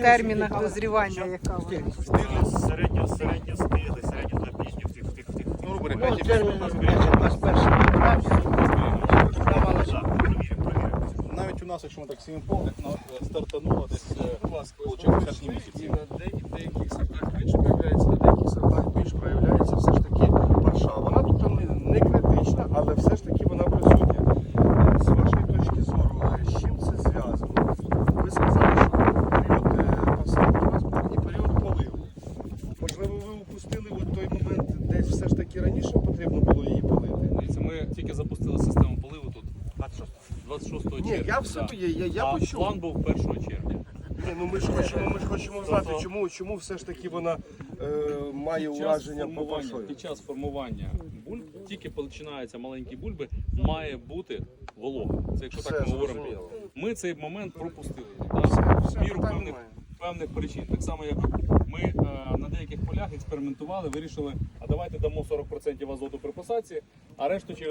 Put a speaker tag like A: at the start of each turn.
A: термінах дозрівання, яка вона?
B: Середньо стигли, середньо до пізніх всіх.
C: Ну, рубри,
D: Ну,
C: 5
D: термін у нас перший.
C: навіть у нас, якщо ми так сім повних, стартануло десь, виходить, перші місяці.
E: На деяких сортах менше проявляється, на деяких сортах більш проявляється все ж таки парша. Вона тут не критична, але все ж таки вона присутня. З вашої точки зору, з чим це зв'язано? Ви сказали, що період посадки у вас був і період поливу. Можливо, ви упустили от той момент, десь все ж таки раніше потрібно було її полити?
F: Дивіться, ми тільки запустили систему поливу тут 26 червня.
E: Ні, я все я
F: А
E: почув.
F: план був 1 червня.
E: Ні, ну ми ж хочемо знати, чому все ж таки вона має ураження по паршою.
F: Під час формування бульб, тільки починаються маленькі бульби, має бути волога. Це якщо так ми говоримо.
E: зрозуміло.
F: Ми цей момент пропустили.
E: Все,
F: В міру
E: питань немає.
F: певних причин. Так само, як ми на деяких полях експериментували, вирішили, а давайте дамо 40% азоту при посадці, а решту через